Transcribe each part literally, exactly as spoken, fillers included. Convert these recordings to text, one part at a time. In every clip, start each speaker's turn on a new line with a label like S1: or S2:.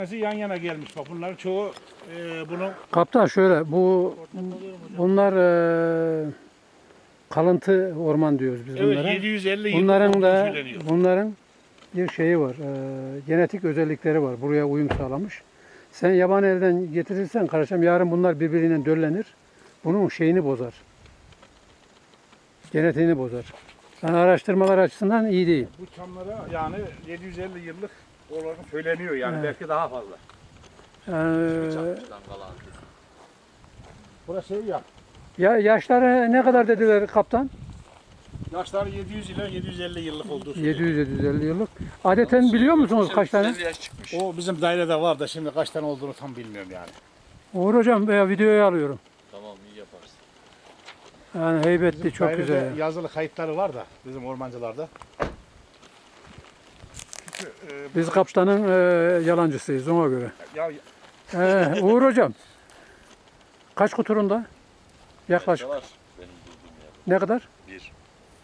S1: Yan yana gelmiş bak bunlar çoğu e, bunun.
S2: Kaptan şöyle bu bunlar e, kalıntı orman diyoruz biz
S1: Evet,
S2: bunlara.
S1: yedi yüz elli yıl
S2: Bunların da
S1: söyleniyor.
S2: bunların bir şeyi var. E, genetik özellikleri var. Buraya uyum sağlamış. Sen yaban elden getirirsen kardeşim yarın bunlar birbiriyle döllenir. Bunun şeyini bozar. Genetiğini bozar. Yani araştırmalar açısından iyi değil.
S1: Bu çamlara yani yedi yüz elli yıllık olarak söyleniyor yani
S2: Evet.
S1: belki daha fazla.
S2: Yani,
S1: Burası şey ya.
S2: ya yaşları ne kadar dediler kaptan?
S1: Yaşları yedi yüz ile yedi yüz elli yıllık olduğu söyleniyor.
S2: yedi yüz yedi yüz elli yıllık. Adeten biliyor musunuz kaç tane?
S3: Yaş çıkmış.
S1: O bizim dairede var da şimdi kaç tane olduğunu tam bilmiyorum yani.
S2: Uğur hocam veya videoyu alıyorum.
S3: Tamam, iyi yaparsın.
S2: Yani heybetli,
S1: Bizim
S2: çok
S1: dairede
S2: güzel. ya.
S1: yazılı kayıtları var da bizim ormancılarda. Çünkü, e,
S2: Biz kaptanın e, yalancısıyız ona göre.
S1: ya,
S2: Ee, Uğur hocam kaç kuturunda? Yaklaşık.
S3: Var benim bulduğum yerde.
S2: Ne kadar?
S3: Bir.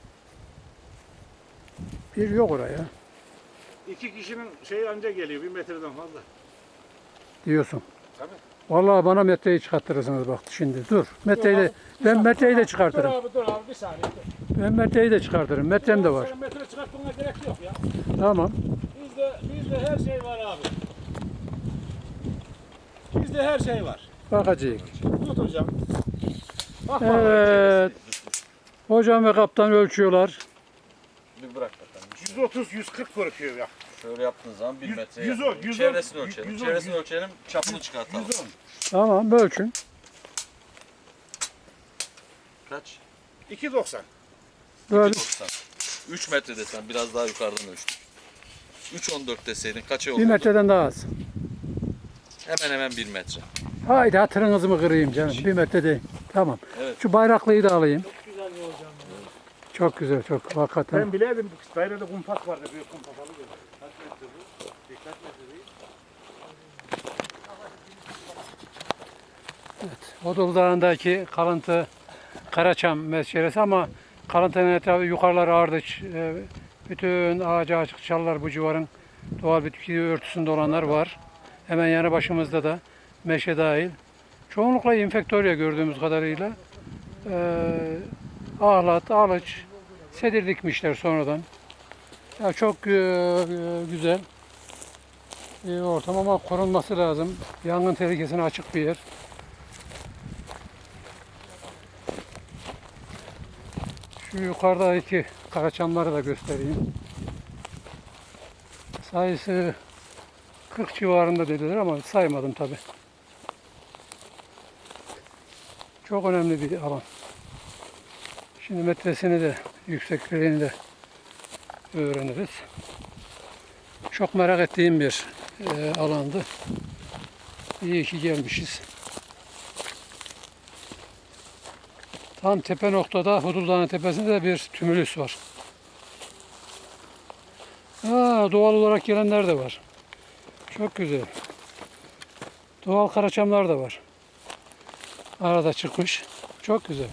S2: Bir yok oraya
S1: iki kişinin şeyi anca geliyor bir metreden fazla.
S2: diyorsun.
S1: Tabii.
S2: Vallahi bana metreyi çıkarttırırsınız bak şimdi. Dur. Metreyi de, ben metreyi de çıkartırım.
S1: Dur abi dur abi bir saniye. Dur.
S2: Ben metreyi de çıkartırım. Metrem de var.
S1: Senin metre çıkartmana gerek yok ya.
S2: Tamam.
S1: Bizde, bizde her şey var abi. Bizde her şey var.
S2: Bakacağız.
S1: Tut hocam. Bak
S2: Evet. Hocam ve kaptan ölçüyorlar.
S3: Bir bırak bakalım.
S1: yüz otuz yüz kırk korkuyor ya.
S3: Şöyle yaptığın zaman bir
S1: Yüz-
S3: metre.
S1: yüz on,
S3: yapıyor.
S1: yüz on,
S3: Çevresini
S1: yüz-
S3: ölçelim.
S1: yüz on,
S3: Çevresini
S1: yüz-
S3: ölçelim. Çapını çıkartalım.
S1: yüz on.
S2: Tamam ölçün.
S3: Kaç?
S1: iki doksan.
S2: Böyle.
S3: doksan. üç metre desen biraz daha yukarıdan ölçtüm. üç on dört deseydin kaça
S2: Bir
S3: olurdu?
S2: metreden daha az.
S3: Hemen hemen bir metre.
S2: Haydi hatırınızı mı kırayım canım? Bir metre değil. Tamam.
S3: Evet.
S2: Şu bayraklıyı da alayım.
S1: Çok güzel bir hocam.
S2: Çok güzel, çok hakikaten.
S1: Ben bileydim dairede kumpas vardı. Büyük kumpas alıyor. Kaç metre bu? Kaç metre değil?
S2: Odul Dağı'ndaki kalıntı Karaçam meşeresi ama kalıntının etrafı yukarılar ardıç. e, Bütün ağacı açık çalılar bu civarın doğal bitki örtüsünde olanlar var. Hemen yanı başımızda da meşe dahil. Çoğunlukla infektorya gördüğümüz kadarıyla. Ee, ahlat, alıç, sedir dikmişler sonradan. Ya çok e, e, güzel bir ortam ama korunması lazım. Yangın tehlikesine açık bir yer. Şu yukarıdaki karaçamları da göstereyim. Sayısı kırk civarında dediler ama saymadım tabi. Çok önemli bir alan. Şimdi metresini de yüksekliğini de öğreniriz. Çok merak ettiğim bir e, alandı. İyi ki gelmişiz. Tam tepe noktada Hudul Dağı'nın tepesinde de bir tümülüs var. Aa, doğal olarak gelenler de var. Çok güzel. Doğal karaçamlar da var. Arada çıkmış. Çok güzel.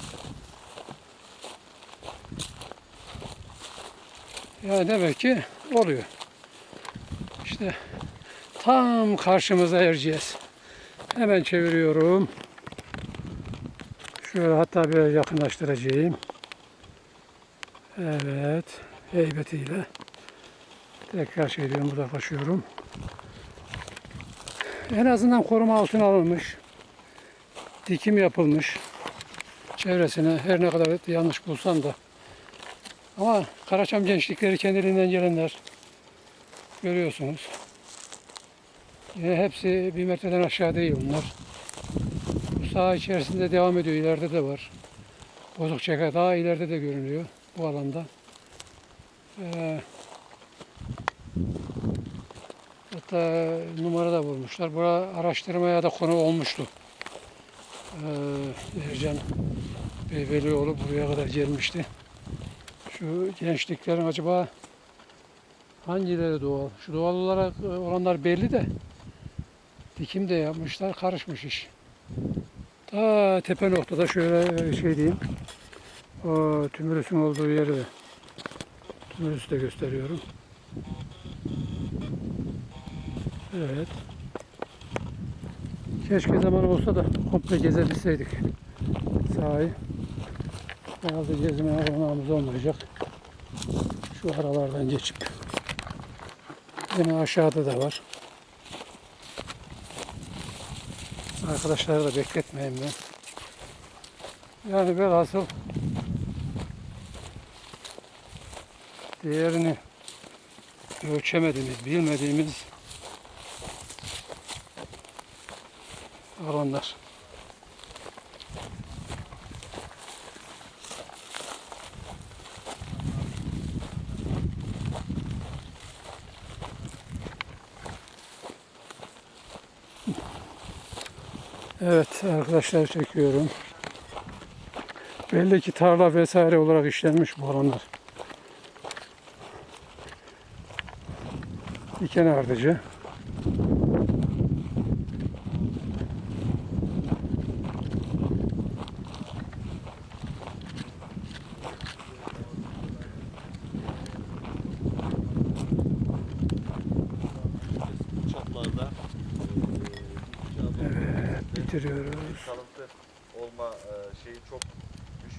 S2: Ya demek ki oluyor. İşte tam karşımıza Erciyes. Hemen çeviriyorum. Şöyle hatta biraz yakınlaştıracağım. Evet. Heybetiyle. Tekrar şey diyorum, uzaklaşıyorum. En azından koruma altına alınmış. Dikim yapılmış. Çevresine her ne kadar yanlış bulsam da. Ama Karaçam gençlikleri kendiliğinden gelenler. Görüyorsunuz. Yine hepsi bir metreden aşağı değil bunlar. Bu saha içerisinde devam ediyor. İleride de var. Bozukçaka daha ileride de görünüyor bu alanda. Ee, hatta numara da bulmuşlar. Bura araştırmaya da konu olmuştu. Ee, Ercan Beybelioğlu buraya kadar gelmişti. Şu gençliklerin acaba hangileri doğal? Şu doğal olarak olanlar belli de dikim de yapmışlar. Karışmış iş. Ta tepe noktada şöyle şey diyeyim. O tümülüsün olduğu yeri de tümülüsü de gösteriyorum. Evet. Keşke zaman olsa da komple gezebilseydik sahayı. Herhalde gezmeye olanağımız olmayacak. Şu aralardan geçip. Yine aşağıda da var. Arkadaşları da bekletmeyeyim ben. Yani velhasıl değerini ölçemediğimiz, bilmediğimiz alanlar. Evet arkadaşlar, çekiyorum. Belli ki tarla vesaire olarak işlenmiş bu alanlar. Diken ardıcı.
S4: Çaplarda
S2: Evet, bitiriyoruz.
S4: kalıntı olma e, şeyi çok